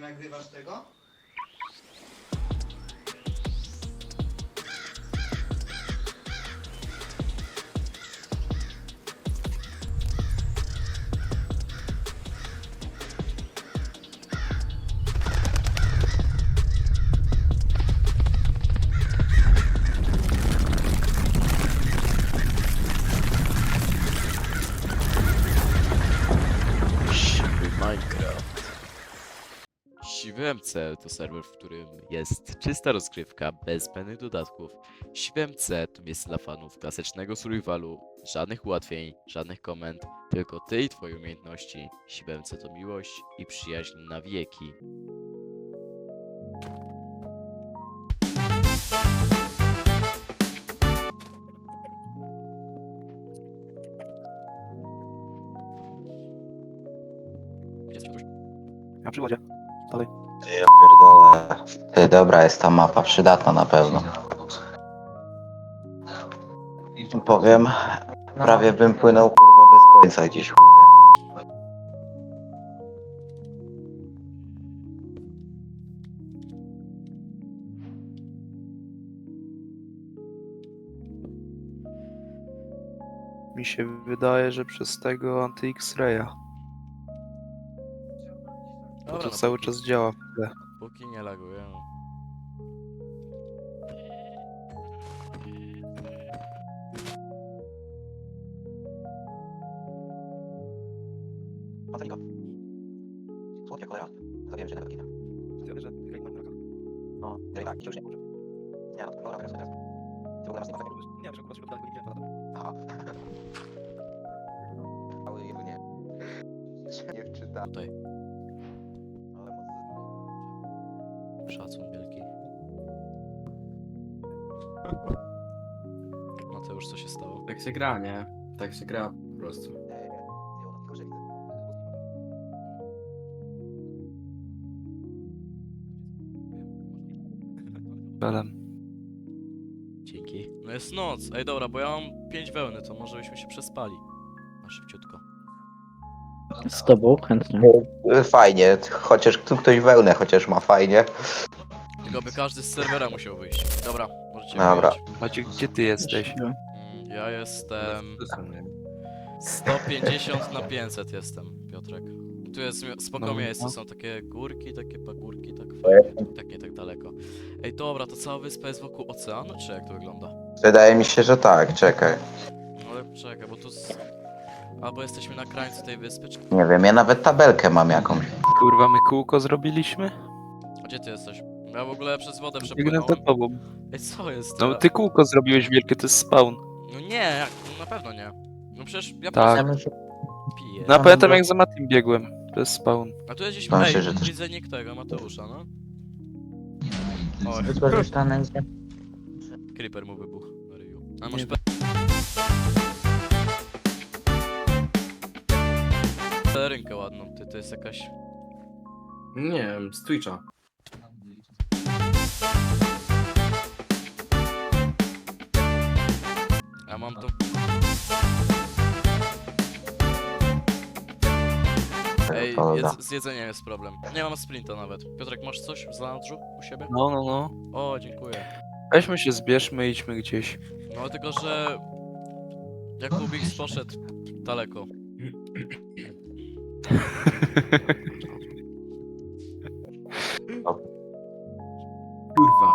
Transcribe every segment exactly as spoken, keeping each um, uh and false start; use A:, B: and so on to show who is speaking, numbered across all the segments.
A: nagrywasz tego?
B: Minecraft. Siwy M C to serwer, w którym jest czysta rozgrywka bez zbędnych dodatków. Siwy M C to miejsce dla fanów klasycznego survivalu, żadnych ułatwień, żadnych komend, tylko ty i twoje umiejętności. Siwy M C to miłość i przyjaźń na wieki.
C: Na przygodzie. Dalej.
D: Ja pierdolę. Ty, dobra jest ta mapa, przydatna na pewno. Powiem, prawie bym płynął kurwa bez końca gdzieś chuj.
C: Mi się wydaje, że przez tego anty-X-raya. Bo
B: Dobra,
C: to
B: no
C: cały
B: póki-
C: czas działa.
B: Póki nie laguje. no.
D: Pateliko. Słodka cholera. Zabiłem cię na kina. No, no i tak, już nie. Nie, no, dobra, teraz teraz. Ty w ogóle masz nie ma takiego.
C: Nie, że kurwa się wydaje, nie wiem,
D: Aha. Cały jego nie. Nie wczyta.
B: Tutaj.
D: Ale mocno.
B: Szacun wielki. Mateusz, co się stało?
E: Tak się gra, nie? Tak się gra po prostu.
D: Nie, nie, nie. Ona tylko, że widzę.
C: Belem.
B: Dzięki. No jest noc. Ej, dobra, bo ja mam pięć wełny, to może byśmy się przespali. Na szybciutko.
F: Z tobą chętnie.
D: Y, Fajnie, chociaż tu ktoś wełnę chociaż ma fajnie.
B: Tylko by każdy z serwera musiał wyjść. Dobra, możecie
D: Dobra.
B: wyjść.
C: Maciek, gdzie ty jesteś?
B: Mm, Ja jestem
E: To są, nie?
B: sto pięćdziesiąt na pięćset jestem, Piotrek. Tu jest mi- spoko
C: No,
B: miejsce,
C: no.
B: są takie górki, takie pagórki, tak fajnie, tak nie tak daleko. Ej, dobra, to cała wyspa jest wokół oceanu, czy jak to wygląda?
D: Wydaje mi się, że tak, czekaj.
B: No ale czekaj, bo tu z... Albo jesteśmy na krańcu tej wyspy, czy...
D: Nie wiem, ja nawet tabelkę mam jakąś.
C: Kurwa, my kółko zrobiliśmy?
B: A gdzie ty jesteś? Ja w ogóle przez wodę
C: Biegnę
B: przepłynąłem.
C: za tobą.
B: Ej, co jest?
C: No
B: Ja-
C: ty kółko zrobiłeś wielkie, to jest spawn.
B: No nie, jak? No na pewno nie. No przecież ja
C: Tak.
B: po prostu piję.
C: No a pamiętam jak za Matim biegłem. To jest spawn.
B: A tu jest gdzieś...
D: Mam
B: Ej,
D: się, że też-
B: widzę nick tego, Mateusza, no. Oj,
F: Wykorzystane jest.
B: creeper mu wybuchł na ryju. A
C: Nie
B: masz
C: wiem.
B: pe... pelerynkę ładną, ty, to jest jakaś...
E: Nie wiem, z Twitcha.
B: Ja mam tu... Ej,
D: Dobra.
B: jedz, z jedzeniem jest problem. Nie mam sprinta nawet. Piotrek, masz coś w zanadrzu u siebie?
C: No, no, no.
B: O, dziękuję.
C: Weźmy się, zbierzmy, idźmy gdzieś.
B: No tylko, że... Jakubik poszedł daleko.
E: Kurwa.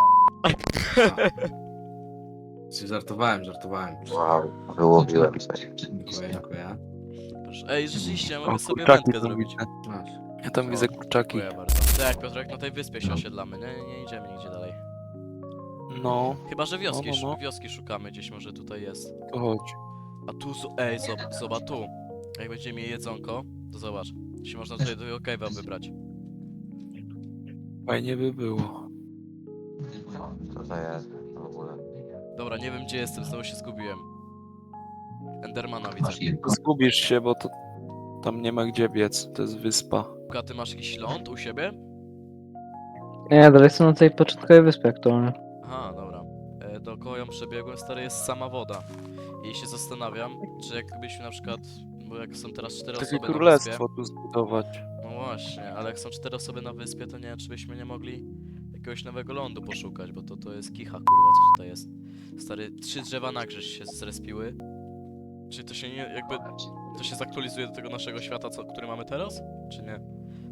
E: Czy żartowałem, żartowałem.
D: Wow, wyłowiłem coś.
E: Dziękuję, dziękuję.
B: Proszę. Ej, rzeczywiście,
C: O,
B: mogę sobie
C: kurczaki
B: wędkę
C: tam
B: zrobić.
C: widzę.
E: Masz.
C: Ja tam
B: O,
C: widzę kurczaki.
B: Dziękuję bardzo. Tak, Piotrek, na tej wyspie się osiedlamy, nie, nie, nie idziemy nigdzie dalej.
C: No,
B: Chyba, że wioski,
C: No, no, no.
B: szu- wioski szukamy gdzieś, może tutaj jest.
C: to chodź.
B: A tu, zo- ej, zob- zobacz tu. Jak będziemy mieli jedzonko, to zobacz. Się można tutaj do cave'a wybrać.
C: Fajnie by było.
D: Co to jest w ogóle?
B: Dobra, nie wiem gdzie jestem, znowu się zgubiłem. Endermana widzę.
C: Zgubisz się, bo to tam nie ma gdzie biec. To jest wyspa.
B: A ty masz jakiś ląd u siebie?
F: Nie, dalej jestem na tej początkowej wyspie aktualnie.
B: Aha, dobra. E, dookoła ją przebiegłem, stary, jest sama woda. I się zastanawiam, czy jakbyśmy na przykład, bo jak są teraz cztery
C: Takie
B: osoby na wyspie,
C: królestwo tu zbudować.
B: no No właśnie, ale jak są cztery osoby na wyspie, to nie wiem, czy byśmy nie mogli jakiegoś nowego lądu poszukać, bo to, to jest kicha, kurwa, co tutaj jest. Stary, trzy drzewa na grzyż się zrespiły. Czy to się nie, jakby, to się zaktualizuje do tego naszego świata, co, który mamy teraz? Czy nie?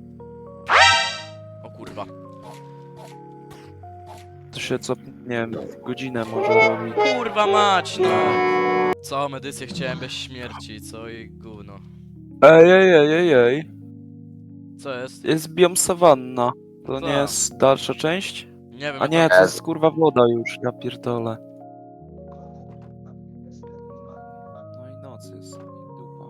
B: O kurwa.
C: To się co, nie wiem, w godzinę może robi.
B: Kurwa mać, no! Całą edycję chciałem bez śmierci, co i gówno.
C: Ej, ej, ej, ej, ej.
B: Co jest?
C: Jest biom sawanna. To
B: Co?
C: nie jest dalsza część?
B: Nie wiem,
C: A nie,
B: jak
C: to jest kurwa woda już, ja pierdolę. No i noc jest, i dupa.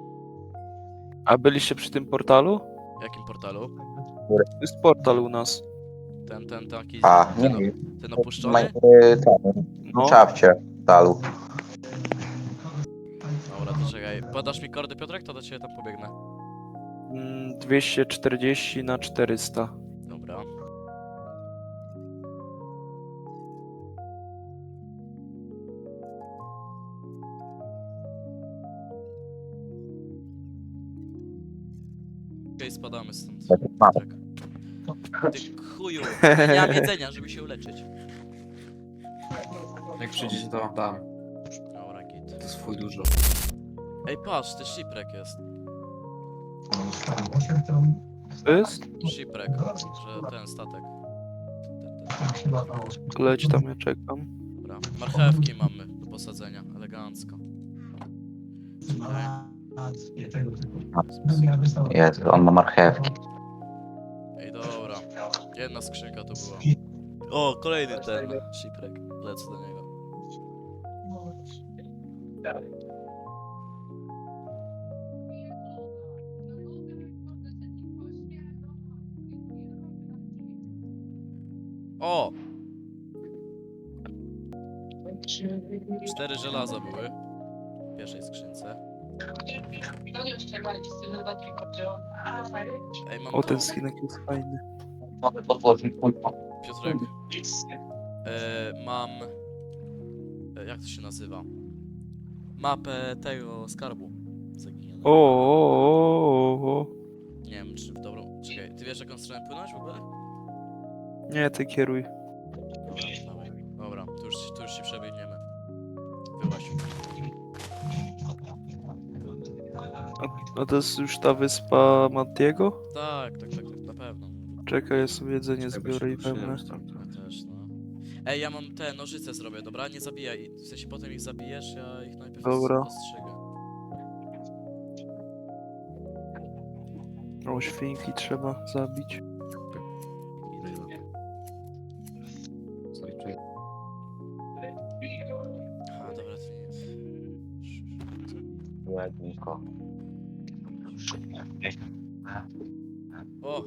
C: A byliście przy tym portalu?
B: w jakim portalu?
C: To jest portal u nas.
B: Ten, ten taki,
D: A, nie
B: ten,
D: wiem.
B: ten
D: Ma-
B: opuszczony?
D: y, ten,
C: No.
D: Czapcie, dalu.
B: Dobra, to czekaj. Podasz mi kordy, Piotrek, to do ciebie tam pobiegnę.
C: Mm, dwieście czterdzieści na czterysta.
B: Dobra. Okej, spadamy stąd. Piotrek. Ty chuju, ja nie mam jedzenia, żeby się uleczyć.
E: Jak przyjdziecie, to wam dam.
B: Dobra, git.
E: To jest swój dużo.
B: Ej, patrz, to shipwreck jest.
C: To jest?
B: Shipwreck, że ten statek. Ten, ten.
C: Leć tam, ja czekam.
B: Dobra. Marchewki mamy do posadzenia, elegancko. Czekaj.
D: Jest, on ma marchewki.
B: Ej, dobra. Jedna skrzynka to była. O, kolejny ten shipwreck. Lecę do niego. O! Cztery żelaza były w pierwszej skrzynce. Ej, mam
C: O,
B: to.
C: ten skinek jest fajny.
D: Mogę podłożyć kurwa.
B: Piotrek. E, mam... E, jak to się nazywa? Mapę tego skarbu zaginionego.
C: O, o, o, o.
B: Nie wiem, czy w dobrą... Czekaj, ty wiesz, jaką stronę płynąć w ogóle?
C: Nie, ty kieruj.
B: Dobra, dawaj. Dobra, tu już, tu już się przebiegniemy. Wyłaź.
C: A, a to jest już ta wyspa Mattiego?
B: Tak, tak, tak, tak, na pewno.
C: Czekaj, ja sobie jedzenie
E: Czekaj, bo
C: zbiorę i
E: się
C: wezmę.
E: ruszyłem tam.
B: Ja też, no. Ej, ja mam te nożyce zrobię, dobra? Nie zabijaj. W sensie potem ich zabijesz, ja ich najpierw
C: Dobra.
B: ostrzygę.
C: O, świnki trzeba zabić.
E: Stoi, czekaj.
B: A, dobra, to nic.
D: Ładniko.
B: O!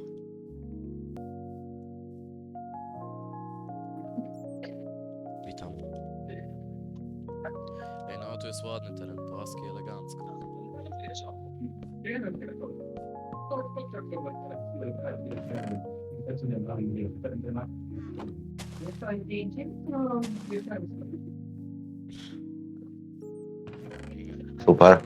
B: Witam. Ej, no tu jest ładny teren, płaski, elegancko.
D: Super.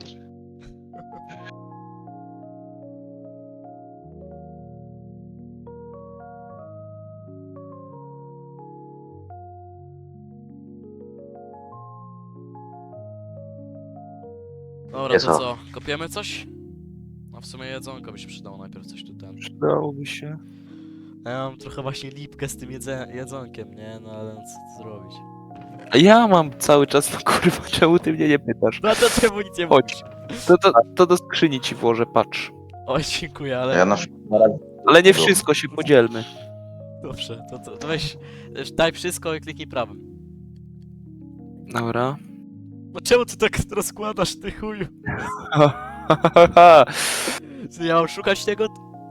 B: Dobra,
D: Jest
B: to
D: o.
B: co? Kopiemy coś? No w sumie jedzonko by się przydało najpierw coś tu ten.
C: Przydałoby się.
B: Ja mam trochę właśnie lipkę z tym jedze jedzonkiem, nie? No ale co tu zrobić?
C: A ja mam cały czas, no kurwa, czemu ty mnie nie pytasz?
B: No to czemu nic nie
C: Chodź. To, to, to do skrzyni ci włożę, patrz.
B: Oj, dziękuję, ale...
D: Ja na
C: Ale nie wszystko, się podzielmy.
B: Dobrze, to, to, to weź, weź, daj wszystko i kliknij prawym.
C: Dobra.
B: No czemu ty tak rozkładasz, ty chuju? Co, ja mam szukać tego?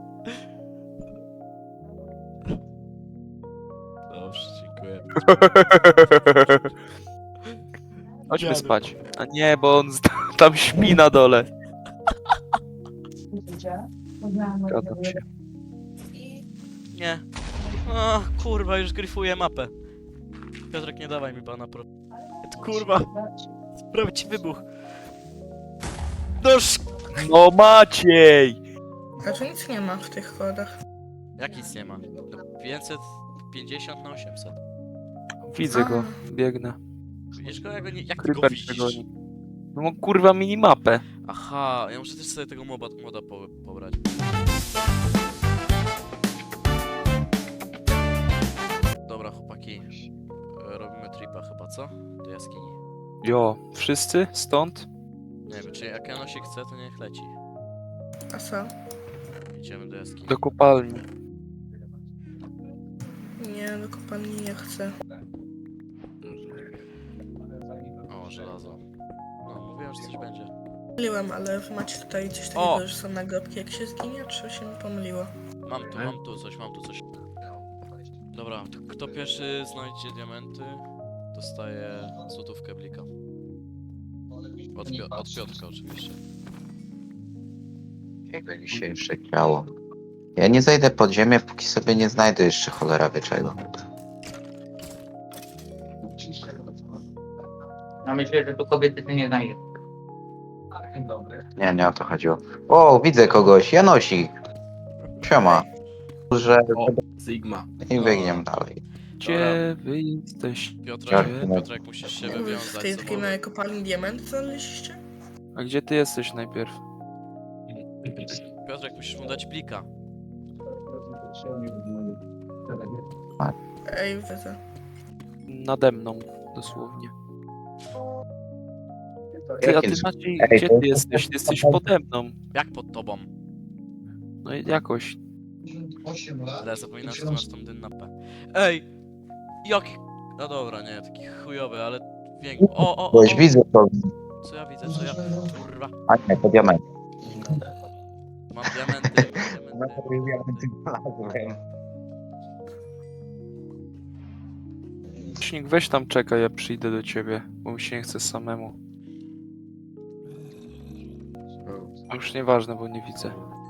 B: Dobrze, dziękuję.
C: Chodźmy
B: Dziadu.
C: spać. A nie, bo on z- tam śpi na dole. Zgadzam się.
B: Nie. O, kurwa, już gryfuję mapę. Piotrek, nie dawaj mi pana pro... Kurwa, sprawić ci wybuch. No sz...
C: No Maciej!
A: A tu nic nie ma w tych kodach.
B: Jak nic nie ma? No, pięćset pięćdziesiąt na osiemset.
C: Widzę go,
A: A.
C: biegnę.
B: Widzisz go? Jak, go nie, jak ty go
C: Creeper
B: widzisz?
C: przegoni. No mam kurwa minimapę.
B: Aha, ja muszę też sobie tego moba, moda po, pobrać. Dobra, chłopaki. e, Robimy tripa chyba, co? Do jaskini.
C: Jo, wszyscy? Stąd?
B: Nie wiem, czy jak Janosik chce, to niech leci.
A: A co?
B: Idziemy do jaskini.
C: Do kopalni.
A: Nie, do kopalni nie chcę.
B: O, żelazo. No, mówiłem, że coś będzie.
A: Pomyliłem, ale wy macie tutaj coś
B: O!
A: takiego, że są nagrobki jak się zginie, czy się mi pomyliło?
B: Mam tu, mam tu coś, mam tu coś. Dobra, to kto pierwszy znajdzie diamenty, dostaje złotówkę blika. Od, Pio od Piotrka oczywiście.
D: Jego dzisiejsze ciało. Ja nie zejdę pod ziemię, póki sobie nie znajdę jeszcze cholera wie czego.
G: No myślę, że tu kobiety ty nie znajdzie.
D: Nie, nie o to chodziło. O, widzę kogoś, Janosik. Siema. Że...
E: O, Sigma.
D: I biegniemy dalej.
C: Gdzie wy jesteście?
B: Piotrek,
D: Jak?
B: Piotrek musisz się
A: Wy w
B: wywiązać
A: tej
B: z
A: takiej
B: umowy.
A: małej kopalni diament znaleźliście?
C: A gdzie ty jesteś najpierw?
B: Piotrek, musisz mu dać blika.
A: Ej, widzę.
C: Nade mną, dosłownie. Ty, a
D: Jakie-
C: ty Maciej,
D: Ej,
C: gdzie
D: to-
C: ty jesteś? Ty jesteś pode mną.
B: Jak pod tobą?
C: No i jakoś.
B: Ale ja zapominam, że ty masz tą dynapę. Ej! Jaki... No dobra, nie, taki chujowy, ale... Większy. O, o, o!
D: Boś widzę to.
B: Co ja widzę, co ja... Kurwa.
D: A nie, to diament.
B: Mam diamenty, mam diamenty.
C: Śnieg, weź tam czekaj, ja przyjdę do ciebie, bo mi się nie chce samemu. A już nieważne, bo nie widzę.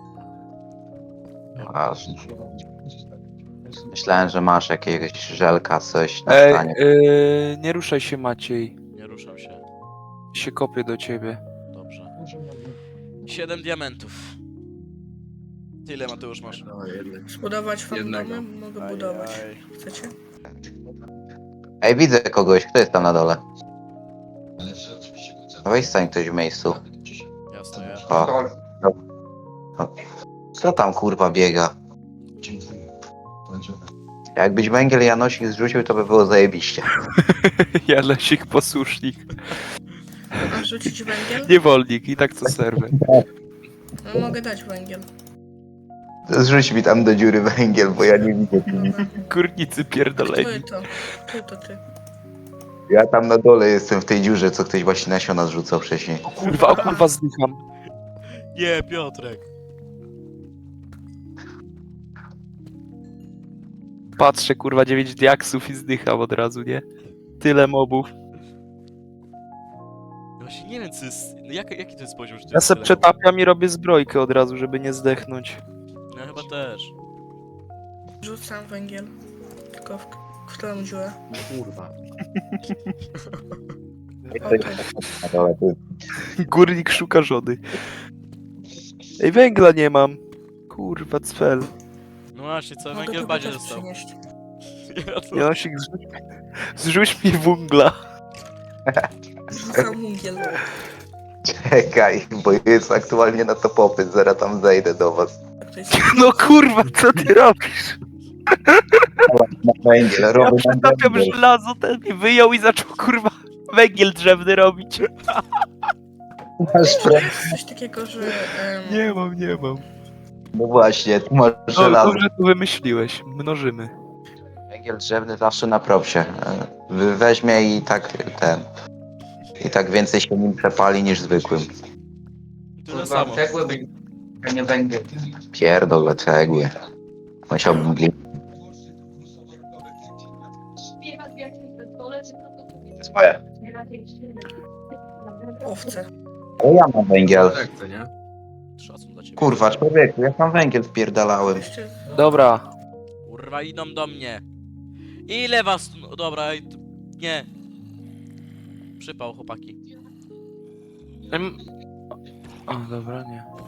D: Ważne. Myślałem, że masz jakiegoś żelka, coś na
C: Ej,
D: stanie.
C: yy, nie ruszaj się Maciej.
B: Nie ruszam się.
C: Się kopię do ciebie.
B: Dobrze. Siedem diamentów. Tyle, Mateusz, masz?
E: No, jednak.
A: Zbudować wam
E: Jednego.
A: domy? Mogę budować.
B: Ajaj.
A: Chcecie?
D: Ej, widzę kogoś, kto jest tam na dole? No weź stań ktoś w miejscu.
B: Ja stoję.
D: O. O. Co tam kurwa biega? Jakbyś węgiel Janosik zrzucił, to by było zajebiście.
C: Janosik posłusznik.
A: A rzucić węgiel?
C: Niewolnik i tak co serwer.
A: No, mogę dać węgiel.
D: Zrzuć mi tam do dziury węgiel, bo ja nie widzę.
A: Dobra.
C: Górnicy
A: Kto
C: pierdoleni.
A: to? Ty to ty.
D: Ja tam na dole jestem w tej dziurze, co ktoś właśnie nasiona zrzucał wcześniej.
C: Kurwa, o kurwa zdycham.
B: Nie, Piotrek.
C: Patrzę kurwa dziewięć diaksów i zdycham od razu, nie? Tyle mobów.
B: Właśnie nie wiem, co jest... No jak, jaki to jest poziom, że to
C: Ja
B: jest
C: se
B: tyle?
C: przetapiam i robię zbrojkę od razu, żeby nie zdechnąć.
B: Ja chyba też.
A: Rzucam węgiel. Tylko w, w którą dziurę?
E: Kurwa.
A: Okej.
D: Na dole, ty.
C: Górnik szuka żony. Ej, węgla nie mam. Kurwa, cfel.
B: No właśnie, cały
A: Mogę
B: węgiel
A: tu
B: badzie
A: też
B: został.
A: przynieść.
B: Ja to...
C: Janosik, zrzuć, zrzuć mi węgla.
A: Rzucam węgiel.
D: Czekaj, bo jest aktualnie na to popyt, zaraz tam zejdę do was.
A: Tak to jest.
C: No kurwa, co ty robisz?
D: Na węgiel,
C: Ja
D: robię na
C: przetapiam
D: węgiel.
C: żelazo, ten mi wyjął i zaczął kurwa węgiel drzewny robić.
D: Masz
A: Czy
D: pre-
A: jest coś takiego, że... em,
C: Nie mam, nie mam.
D: No właśnie, tu masz
C: No,
D: żelazo.
C: dobrze to wymyśliłeś. Mnożymy.
D: Węgiel drzewny zawsze na propsie. E, wy- Weźmie i tak ten... I tak więcej się nim przepali niż zwykłym.
B: Tyle
G: Kurwa,
B: samo.
G: cegły by... a nie węgiel.
D: Pierdolę cegły. Musiałbym gli... Swoje.
A: Owce.
D: Ale ja mam węgiel.
E: Tak, to nie?
B: Szacun dla ciebie.
D: Kurwa, człowieku, ja tam węgiel wpierdalałem.
A: Jeszcze...
C: Dobra.
B: Kurwa, idą do mnie. Ile was tu... No, dobra, ej, to- nie. Przypał, chłopaki.
C: Em... O, dobra, nie.